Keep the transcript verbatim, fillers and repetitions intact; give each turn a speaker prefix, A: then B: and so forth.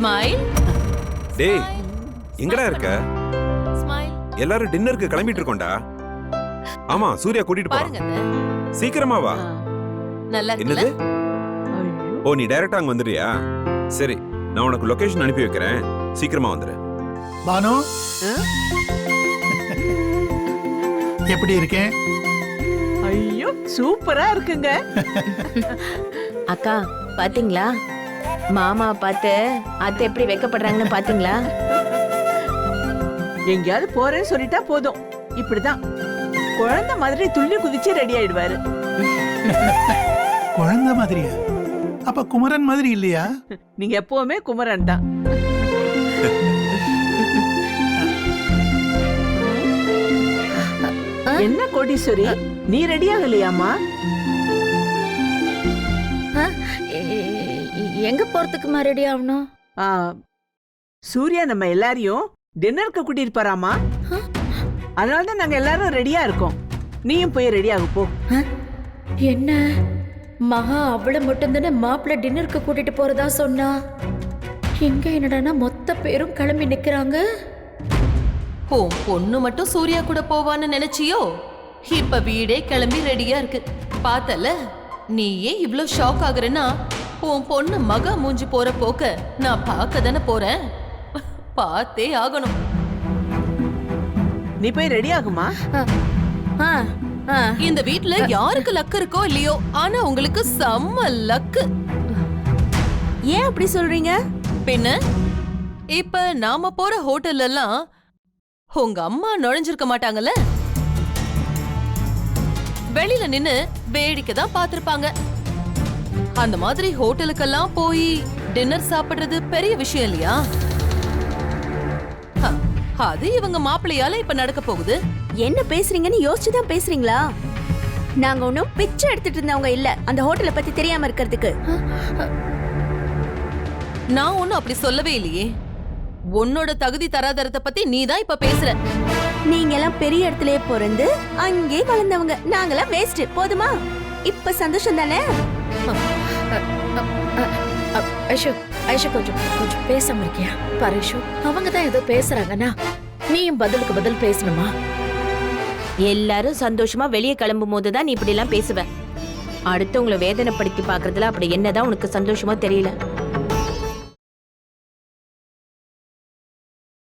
A: Smile.
B: டேய் எங்கடா இருக்க?
A: ஸ்மைல்.
B: எல்லாரும் டின்னருக்கு கிளம்பிட்டு இருக்கோம்டா. ஆமா சூர்யா கூட்டிட்டு
A: பாருங்க
B: போறான்.
A: அத்தை.
B: சீக்கிரமா வா.
A: நல்லா இருக்குல்ல?
B: என்னது? ஓ நீ டைரக்டா அங்க வந்துறியா? சரி நான் உனக்கு லொகேஷன் அனுப்பி வைக்கிறேன். சீக்கிரமா வந்துரு.
C: பானு எப்படி இருக்கேன்?
D: ஐயோ சூப்பரா இருக்குங்க.
E: அக்கா பாத்தீங்களா மாமா பார்த்து அத்தை எப்படி வெக்கப்படுறாங்கன்னு பாத்தீங்களா?
D: எங்கேயாவது போறேன்னு சொல்லிட்டா போதும், இப்படிதான் குழந்தை மாதிரி துள்ளி குதிச்சு ரெடி ஆயிடுவாரு.
C: குழந்தை மாதிரியா? அப்ப குமரன் மாதிரி இல்லையா?
D: நீங்க எப்பவுமே குமரன் தான். என்ன கோடீஸ்வரி, நீ ரெடி ஆகலையாமா?
E: எங்க போறதுக்குமா ரெடி ஆகணும்?
D: ஆ, சூர்யா நம்ம எல்லாரையும் டின்னருக்கு கூட்டிட்டு போறாமா. அதனாலதான் நாங்க எல்லாரும் ரெடியா இருக்கோம். நீயும் போய் ரெடி ஆகு போ.
F: என்ன மகா அவளை மட்டும்தானே மாப்பிள்ள டின்னருக்கு கூட்டிட்டு போறதா சொன்னா? இங்க என்னடானா மொத்த பேரும் கிளம்பி நிக்கிறாங்க.
A: ஓ பொண்ணு மட்டும் சூர்யா கூட போவான்னு நினைச்சியோ? இப்ப வீடே கிளம்பி ரெடியா இருக்கு. பார்த்தல நீ ஏன் இவ்ளோ ஷாக் ஆகுறேன்னா, உன் பொண்ணு மகா மூஞ்சி போற போக்க நான் பார்க்க தானே போறேன். பார்த்தே ஆகணும்.
D: நீ போய் ரெடி ஆகுமா.
A: இந்த வீட்ல யாருக்கு லக்கு இருக்கோ இல்லையோ, ஆனா உங்களுக்கு செம்ம லக்கு.
E: ஏன் அப்படி சொல்றீங்க?
A: பின்ன இப்ப நாம போற ஹோட்டல்ல எல்லாம் உங்க அம்மா நுழைஞ்சிருக்க மாட்டாங்கல்ல. வெளியில நின்னு வேடிக்கை தான் பாத்திருப்பாங்க. அந்த மாதிரி ஹோட்டலுக்கெல்லாம் போய் டின்னர் சாப்பிடுறது பெரிய விஷயம் இல்லையா? ஹ, அது இவங்க மாப்பிள்ளையால இப்ப நடக்க போகுது.
E: என்ன பேசுறீங்கன்னு யோசிச்சுதான் பேசுறீங்களா? நாங்க ஒன்னும் பிச்சை எடுத்துட்டு இருந்தவங்க இல்ல அந்த ஹோட்டலை பத்தி தெரியாம இருக்கிறதுக்கு.
A: நான் ஒன்னும் அப்படி சொல்லவே இல்லையே. உன்னோட தகுதி தராதரத்தை பத்தி நீ தான் இப்ப பேசுற.
E: நீங்க எல்லாம் பெரிய இடத்துலயே பிறந்து அங்கே வளர்ந்தவங்க, நாங்கெல்லாம் வேஸ்ட். போதுமா? இப்ப சந்தோஷம் தானே?
F: ஐஷு ஐஷு கொஞ்சம் கொஞ்சம் பேசாம இருக்கியா? பாரு ஐஷு, அவங்க தான் ஏதோ பேசுறாங்கன்னா நீயும் பதிலுக்கு பதில் பேசணுமா?
E: எல்லாரும் சந்தோஷமா வெளியே கிளம்பும் போதுதான் நீ இப்படி எல்லாம் பேசுவ. அடுத்தவங்களை வேதனைப்படுத்தி பாக்குறதுல அப்படி என்னதான் உனக்கு சந்தோஷமா தெரியல.